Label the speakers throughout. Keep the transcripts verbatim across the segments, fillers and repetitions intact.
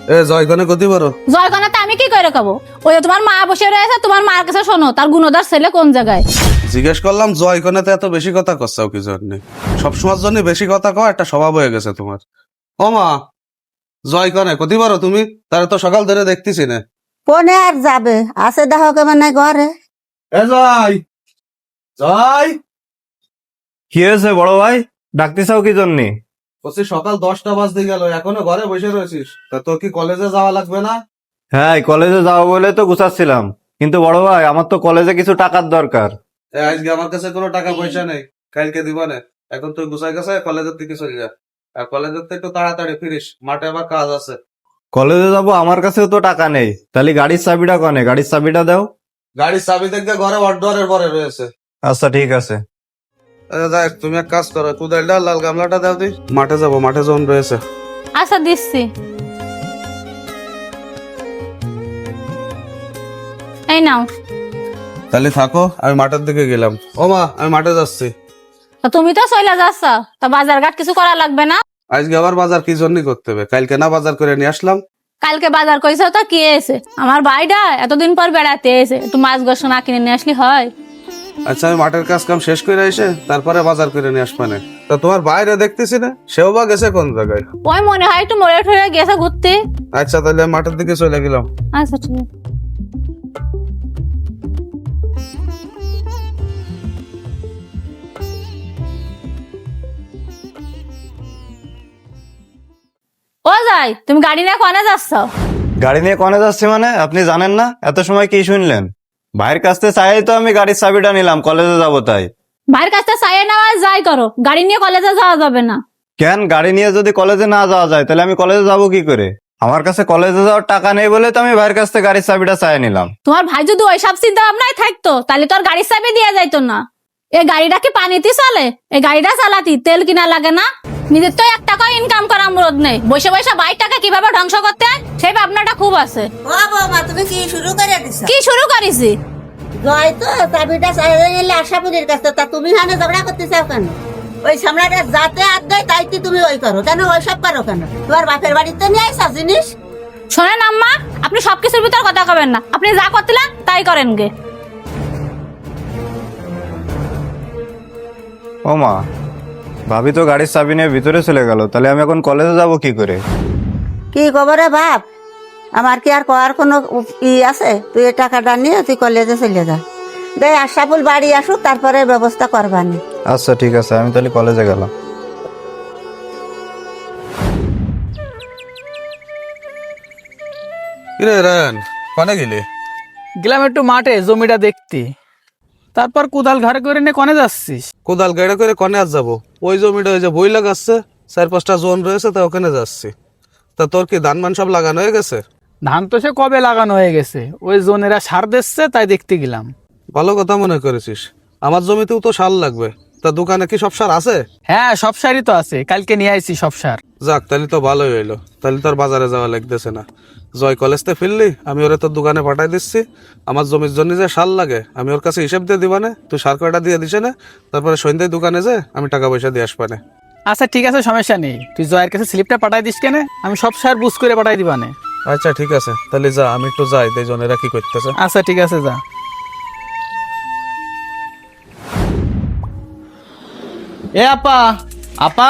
Speaker 1: এ জয়গণে গতি বড়
Speaker 2: জয়গণাতে আমি কি করে খাবো? ওই তোমার মা বসে রয়েছে, তোমার মার কাছে শোনো তার গুণদার ছেলে কোন জায়গায়।
Speaker 1: জিজ্ঞেস করলাম জয়গণেতে এত বেশি কথা করছাও কি জন্য? সবসময়ের জন্য বেশি কথা কও, একটা স্বভাব হয়ে গেছে তোমার। ও মা, জয়গণে গতি বড় তুমি, তারে তো সকাল ধরে দেখতেছি না।
Speaker 3: কোনে আর যাবে, আছে দেখো কেমন নাই ঘরে।
Speaker 1: এ জয়, জয়
Speaker 4: কি হয়েছে বড় ভাই, ডাকতেছাও কি জন্যে?
Speaker 1: বলছি সকাল দশটা বাজতে গেল, এখনো ঘরে বসে রয়েছিস? তা তোর কি কলেজে যাওয়া লাগবে না?
Speaker 4: হ্যাঁ, কলেজে যাবো বলে তো গুছাচ্ছিলাম, কিন্তু বড় ভাই আমার তো কলেজে কিছু টাকার দরকার।
Speaker 1: এ, আজকে আমার কাছে কোনো টাকা পয়সা নেই, কালকে দিবা না। এখন তুই গুছাই গেছে কলেজের দিকে চলে যা, আর কলেজের থেকে একটু তাড়াতাড়ি ফিরিস, মাঠে আবার কাজ আছে।
Speaker 4: কলেজে যাব, আমার কাছেও তো টাকা নেই। তাহলে গাড়ির চাবিটা কনে, গাড়ির চাবিটা দাও।
Speaker 1: গাড়ির চাবি দেখবে ঘরে অড্ডরের পরে রয়েছে।
Speaker 4: আচ্ছা ঠিক আছে।
Speaker 1: আচ্ছা, দেখ তুমি এক কাজ করো, কুদালটা লাল গামলাটা দাও দি, মাঠে যাবো, মাঠে যখন রয়েছে।
Speaker 2: আচ্ছা দিচ্ছি। এই নাও।
Speaker 1: তাহলে থাকো, আমি মাঠের দিকে গেলাম। ও মা, আমি মাঠে যাচ্ছি।
Speaker 2: তা তুমি তো চলে যাচ্ছ, তা বাজার ঘাট কিছু করা লাগবে না?
Speaker 1: আজকে আবার বাজার কি জন্য করতে হবে? কালকে না বাজার করে নিয়ে আসলাম।
Speaker 2: কালকে বাজার করেছো তো কি এসে? আমার ভাইটা এতদিন পর বেড়াতে এসে, একটু মাছ গোস না কিনে নিয়ে আসলি হয়?
Speaker 1: আচ্ছা, আমি মাঠের কাজ কাম শেষ করে এসে তারপরে বাজার করে নিয়ে আসবানে। তা তোমার বাইরে দেখতেছি না, সেও বা গেছে কোন জায়গায়?
Speaker 2: ওই মনে হয় একটু মরে ঠরে গেছে ঘুরতে।
Speaker 1: আচ্ছা, তাহলে আমি মাঠের দিকে চলে গেলাম।
Speaker 2: আচ্ছা ঠিক আছে। ও যাই, তুমি গাড়ি নিয়ে কোনে যাচ্ছ?
Speaker 4: গাড়ি নিয়ে কনে যাচ্ছি মানে আপনি জানেন না? এত সময় কি শুনলেন? ভাইয়ের কাছ থেকে চাই তো আমি গাড়ির চাবিটা নিলাম, কলেজে যাবো তাই।
Speaker 2: ভাইয়ের কাছটা চাইয়ে নেওয়া যাই করো, গাড়ি নিয়ে কলেজে যাওয়া যাবে না।
Speaker 4: কেন, গাড়ি নিয়ে যদি কলেজে না যাওয়া যায় তাহলে আমি কলেজে যাবো কি করে? আমার কাছে কলেজে যাওয়ার টাকা নেই বলে তো আমি ভাইয়ের কাছ থেকে গাড়ির চাবিটা চাই নিলাম।
Speaker 2: তোমার ভাই যদি ওই সব চিন্তা ভাবনায় থাকতো তাহলে তোর গাড়ির চাবি দিয়ে যাইতো না। এই গাড়িটা কি পানিতে চলে? এই গাড়িটা চালাতি তেল কিনা লাগে না? নিজের তো এক টাকা ইনকাম করা মুরদ নেই, বসে বসে বাইক টাকা কিভাবে ধ্বংস করতে হয় সেই ভাবনাটা খুব আছে।
Speaker 3: ও বৌমা, তুমি কি শুরু করে দিছো?
Speaker 2: কি শুরু করেছি?
Speaker 3: জয় তো চাবিটা চাইলে নিলে আশাপুরির কাছে, তা তুমি হানে ঝগড়া করতে চাও কেন? ওই সামলাটা যাতে আর দেয় তাই কি তুমি ওই করো কেন? ওই সব করো কেন? তোমার বাপের বাড়িতে নিয়ে আইসা জিনিস।
Speaker 2: শোনেন আম্মা, আপনি সবকিছুর ভিতর কথা কবেন না, আপনি যা করতেলেন তাই করেন গে।
Speaker 4: ও মা, ভাবি তো গাড়ির চাবি নিয়ে ভিতরে চলে গেল, তাহলে আমি এখন কলেজে যাব কি করে?
Speaker 3: কি খবরে বাপ? আমার কি আর করার কোনো ই আছে? তুই এই টাকাটা নিয়ে তুই কলেজে চলে যা, দে আশাফুল বাড়ি আসুক তারপরে ব্যবস্থা করবানি।
Speaker 4: আচ্ছা ঠিক আছে, আমি তাহলে কলেজে গেলাম।
Speaker 1: কিরে রায়ন, কনে গেলি?
Speaker 5: গেলাম একটু মাঠে জমিটা দেখতে, তারপর কোদাল ঘরে করে নিয়ে কনে যাচ্ছিস?
Speaker 1: কোদাল গাড়ি করে কনে আর যাবো? ওই জমিটা ওই যে বই লাগাচ্ছে, চার পাঁচটা জোন রয়েছে, তা ওখানে যাচ্ছি। তা তোর কি ধান মান সব লাগানো হয়ে গেছে?
Speaker 5: ধান তো সে কবে লাগানো হয়ে গেছে, ওই জোনেরা সার দিচ্ছে তাই দেখতে গেলাম।
Speaker 1: ভালো কথা মনে করেছিস, আমার জমিতেও তো সার লাগবে। তা দোকানে কি সব সার আছে?
Speaker 5: হ্যাঁ, সব সারই তো আছে, কালকে নিয়ে আইছি সব সার।
Speaker 1: যাক, তাহলে তো ভালোই হইলো, তাহলে তোর বাজারে যাওয়া লাগতেছে না। জয় কলেজতে ফিরলি, আমি ওরে তোর দোকানে পাঠাই দিচ্ছি। আমার জমির জন্য যে সার লাগে আমি ওর কাছে হিসেব দিয়ে দিবানে, তুই সার কয়টা দিয়ে দিছে না, তারপরে সন্ধ্যায় দোকানে যে আমি টাকা পয়সা দিয়ে আসবানে।
Speaker 5: আচ্ছা ঠিক আছে, সমস্যা নেই, তুই জয়ের কাছে স্লিপটা পাঠাই দিস কেন, আমি সব সার বুঝ করে পাঠাই দিবানে।
Speaker 1: আচ্ছা ঠিক আছে, তাহলে যা, আমি একটু যাই, তাই জনেরা কি করতেছে।
Speaker 5: আচ্ছা ঠিক আছে, যা।
Speaker 6: এ আপা, আপা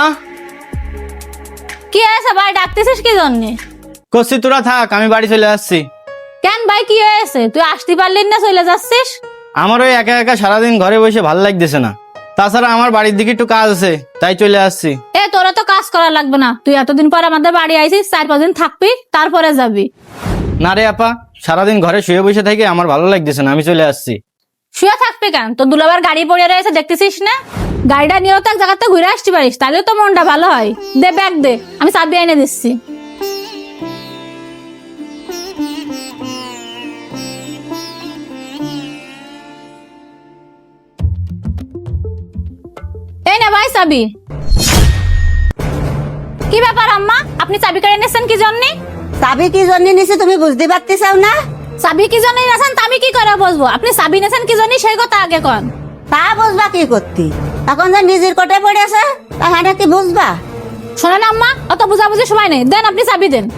Speaker 2: কি আছে ভাই, ডাকতেছিস কি জন্যে?
Speaker 6: কষি তোরা থাক, আমি বাড়ি চলে আসছি।
Speaker 2: কেন ভাই, কি হয়েছে? তুই আসতে পারলি না, চলে যাচ্ছিস?
Speaker 6: আমার ওই একা একা সারাদিন ঘরে বসে ভালো লাগতেছে না, তাছাড়া আমার বাড়ির দিকে একটু কাজ আছে, তাই চলে আসছি।
Speaker 2: এ তোরা তো কাজ করা লাগবে না, তুই এতদিন পর আমাদের বাড়ি আইছিস, চার পাঁচ দিন থাকবি তারপরে যাবি।
Speaker 6: না রে আপা, সারাদিন ঘরে শুয়ে বসে থেকে আমার ভালো লাগতেছে না, আমি চলে আসছি।
Speaker 2: শুয়ে থাকবি কেন? তোর দুলাবার গাড়ি পড়ে রয়েছে দেখতেছিস না? গাড়িটা নিয়েও তো এক জায়গাতে ঘুরে আসতে পারিস, তাহলে তো মনটা ভালো হয়। দে ব্যাগ দে, আমি চাবি এনে দিচ্ছি। এই না ভাই চাবি। কি ব্যাপার আম্মা, আপনি চাবি কেড়ে নিচ্ছেন কি জন্য?
Speaker 3: চাবি কি জন্য নিছি তুমি বুঝতে পারতে চাও না?
Speaker 2: চাবি কি জন্য নিয়েছেন তা আমি কি করে বুঝবো? আপনি চাবি নিয়েছেন কি জন্য সেই কথা আগে কন।
Speaker 3: তা বুঝবা কি করতি? এখন যে নিজের কোটে পড়েছে তাহলে কি বুঝবা?
Speaker 2: শোনেন আম্মা, অত বুঝাবুঝি সময় নেই, দেন আপনি চাবি দেন।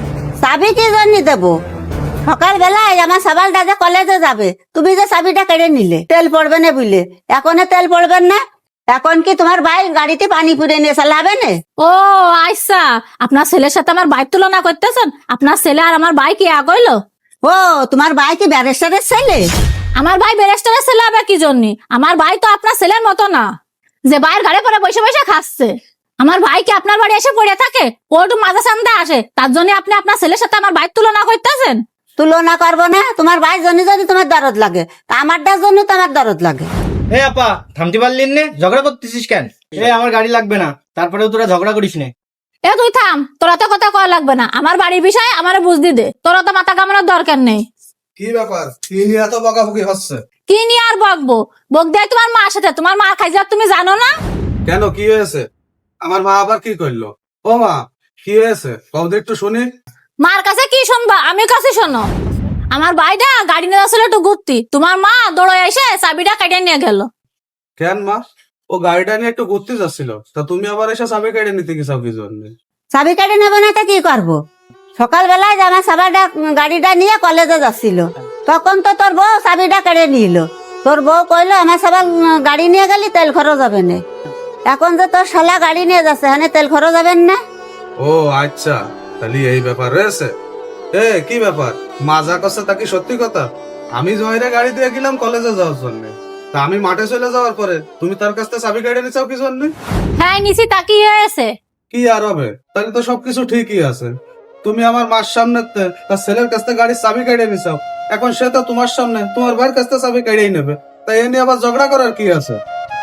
Speaker 3: চাবি কি জন্য দেবো? সকাল বেলায় আমার সাবালটা যে কলেজে যাবে, তুমি যে চাবিটা কেড়ে নিলে তেল পড়বে না বুঝলে, এখন তেল পড়বেন না, এখন কি তোমার ভাই গাড়িতে পানি পুড়ে নিয়ে চালাবে না?
Speaker 2: ও আচ্ছা, আপনার ছেলের সাথে আমার বাইক তুলনা করতেছেন? আপনার ছেলে আর আমার ভাই কি আগইলো?
Speaker 3: ও তোমার ভাই কি ব্যারিস্টারের ছেলে?
Speaker 2: আমার ভাই ব্যারিস্টারের ছেলে হবে কি জন্য? আমার ভাই তো আপনার ছেলের মতো না যে ভাইয়ের ঘরে পরে বসে বসে খাচ্ছে। আমার ভাই কি আপনার বাড়ি এসে পড়ে থাকে? ও একটু মাঝে সামনে আসে, তার জন্য আপনি আপনার ছেলের সাথে আমার বাইক তুলনা করতেছেন?
Speaker 3: তুলনা করবো না? তোমার ভাই জন্য যদি তোমার দরদ লাগে, তা আমারটার জন্য তোমার দরদ লাগে।
Speaker 6: এ আপা, থামতে পারলিন নে? ঝগড়া করতেছিস কেন? এ আমার গাড়ি লাগবে না, তারপরেও তোরা ঝগড়া করিস নে।
Speaker 2: এ তুই থাম, তোরা তো কথা কওয়া লাগবে না। আমার বাড়ির বিষয়ে আমার বুঝদি দে, তোরা তো মাথা কামানোর দরকার নেই।
Speaker 1: কি ব্যাপার? কি নিয়ে এত বকাবকি হচ্ছে?
Speaker 2: কি নিয়ে আর বকবো? বক দেয় তোমার মার সাথে, তোমার মা খাই যাও তুমি জানো না?
Speaker 1: কেন, কি হয়েছে? আমার মা আবার কি করলো? ও মা, কি হয়েছে কও তো একটু শুনি।
Speaker 2: মার কাছে কি শুনবা, আমি কাছে শোনো। আমার ভাইটা গাড়ি নিয়ে আসলে একটু ঘুরতি, তোমার মা দৌড়ে এসে চাবিটা কেটে নিয়ে গেল।
Speaker 1: কেন মা? ও গাড়িটা নিয়ে একটু ঘুরতে যাচ্ছিল, তা তুমি আবার এসে চাবি কেড়ে নিতে গেছাও কি জন্য?
Speaker 3: চাবি কেটে নেবো না, তা কি করবো? সকাল বেলায় যে আমার সাবাটা গাড়িটা নিয়ে কলেজে যাচ্ছিল, তখন তো তোর বউ চাবিটা কেড়ে নিল। তোর বউ কইলো আমার সাবাল গাড়ি নিয়ে গেলি তেল খরচ হবে না। এখন যে তোর শালা গাড়ি নিয়ে যাচ্ছে, হ্যাঁ তেল খরচ হবেন না?
Speaker 1: ও আচ্ছা, তাহলে এই ব্যাপার রয়েছে। এ কি ব্যাপার? মা যা করছে তা কি সত্যি কথা? আমি জহিরে গাড়ি দিয়ে গেলাম কলেজে যাওয়ার জন্য, তা আমি মাঠে চলে যাওয়ার পরে তুমি তার কাছ থেকে চাবি কেড়ে নিচাও কি জন্য?
Speaker 2: হ্যাঁ নিচি, তা কি হয়েছে?
Speaker 1: কি আর হবে? তাহলে তো সবকিছু ঠিকই আছে। তুমি আমার মার সামনে তে তার ছেলের কাছ থেকে গাড়ির চাবি কেড়ে নিচাও, এখন সে তো তোমার সামনে তোমার ভাইয়ের কাছ থেকে চাবি কেড়েই নেবে, তাই এ নিয়ে আবার ঝগড়া করার কি আছে?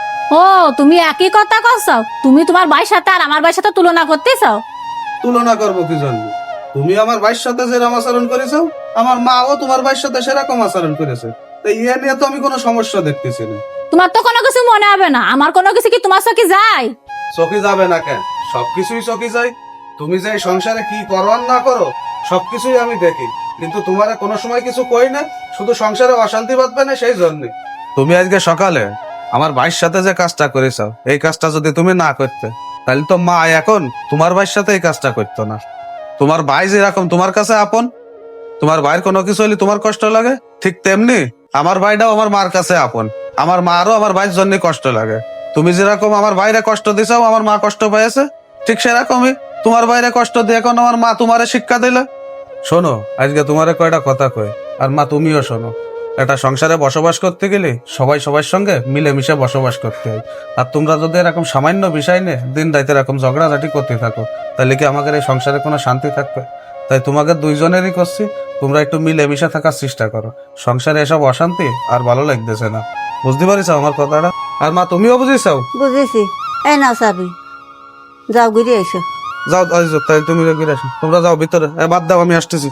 Speaker 2: ও তুমি একই কথা করছো? তুমি তোমার ভাইয়ের সাথে আর আমার ভাইয়ের সাথে তুলনা করতে চাও?
Speaker 1: তুলনা করবো কি জন্য? তুমি আমার ভাইয়ের সাথে যেরকম আচরণ করেছো, আমার মাও তোমার ভাইয়ের সাথে সেরকম আচরণ করেছে, তাই ইয়ে নিয়ে তো আমি কোনো সমস্যা দেখতেছি না।
Speaker 2: তোমার তো কোনো কিছু মনে হবে না, আমার কোনো কিছু কি তোমার চোখে যায়?
Speaker 1: চকি যাবে না কেন? সবকিছুই চকি যায়। তুমি যে এই সংসারে কি করো আর না করো সবকিছুই আমি দেখি, কিন্তু তোমার কোনো সময় কিছু কই না, শুধু সংসারে অশান্তি বাঁধবে না সেই জন্য। তুমি আজকে সকালে আমার ভাইয়ের সাথে যে কাজটা করেছো, এই কাজটা যদি তুমি না করতে, তাহলে তো মা এখন তোমার ভাইয়ের সাথে এই কাজটা করতো না। তোমার ভাই যেরকম তোমার কাছে আপন, তোমার ভাইয়ের কোনো কিছু হলে তোমার কষ্ট লাগে, ঠিক তেমনি আমার ভাইটাও আমার মার কাছে আপন। আমার মারও আমার ভাইয়ের জন্য কষ্ট লাগে। তুমি যেরকম আমার ভাইরে কষ্ট দিছাও, আমার মা কষ্ট পেয়েছে, ঠিক সেরকমই তোমার ভাইরে কষ্ট দিয়ে এখন আমার মা তোমারে শিক্ষা দিলে। শোনো, আজকে তোমারে কয়টা কথা কই, আর মা তুমিও শোনো। একটা সংসারে বসবাস করতে গেলে সবাই সবার সঙ্গে মিলেমিশে বসবাস করতে হয়। আর তোমরা যদি এরকম সামান্য বিষয় নিয়ে দিন রাতে এরকম ঝগড়াঝাটি করতে থাকো, তাহলে কি আমাদের এই সংসারে কোনো শান্তি থাকবে? তাই তোমাকে দুইজনেরই করছি, তোমরা একটু মিলেমিশে থাকার চেষ্টা করো। সংসারে এসব অশান্তি আর ভালো লাগতেছে না। বুঝতে পারিস আমার কথাটা? আর মা তুমিও বুঝিসাও?
Speaker 3: বুঝেছি। এই নাও চাবি, যাও ঘুরে এসো।
Speaker 1: যাও আইজো, তাই তুমি ঘুরে আসো। তোমরা যাও ভিতরে, এ বাদ দাও, আমি আসতেছি।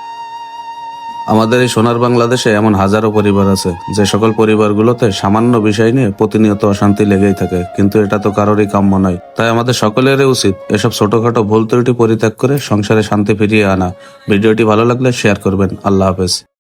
Speaker 1: আমাদের এই সোনার বাংলাদেশে এমন হাজারো পরিবার আছে যে সকল পরিবারগুলোতে সামান্য বিষয় নিয়ে প্রতিনিয়ত অশান্তি লেগেই থাকে, কিন্তু এটা তো কারোরই কাম্য নয়। তাই আমাদের সকলেরই উচিত এসব ছোটখাটো ভুল ত্রুটি পরিত্যাগ করে সংসারে শান্তি ফিরিয়ে আনা। ভিডিওটি ভালো লাগলে শেয়ার করবেন। আল্লাহ হাফেজ।